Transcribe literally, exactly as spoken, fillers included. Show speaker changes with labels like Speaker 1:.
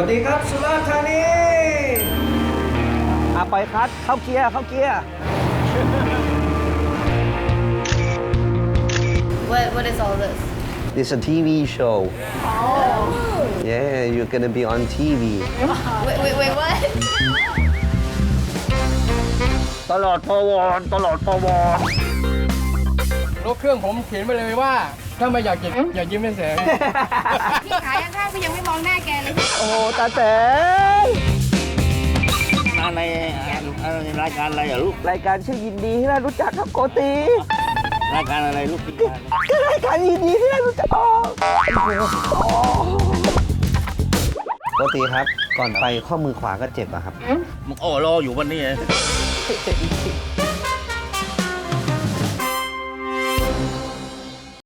Speaker 1: วัสดีครับสุราษฎร์ธานีอ่ะปล่อยคลัตช์เข้าเกียร์เข้าเกียร์
Speaker 2: What What is all this?
Speaker 1: It's a ที วี show
Speaker 2: Oh.
Speaker 1: Yeah you're gonna be on ที วี
Speaker 2: Wait wait wait what?
Speaker 1: ตลอดพวรตลอดพวร
Speaker 3: รถเครื่องผมเขียนไปเลยว่า ถ้าไม่อยากเก็บอย่ายิ้มให้แสง
Speaker 2: พี่ขายข้างๆพี่ยังไม่มองหน้าแกเลย
Speaker 1: โอ้โหตาแสง
Speaker 4: มาในรายการอะไรอ่ะลูก
Speaker 1: รายการชื่อยินดีที่ได้รู้จักครับโกติ
Speaker 4: รายการอะไรลูกที่
Speaker 1: ก็รายการยินดีที่ได้รู้จักอ๋อโกติครับ ก่อนไปข้อมือขวาก็เจ็บอะครับ
Speaker 4: มึงโอ้รออยู่วันนี้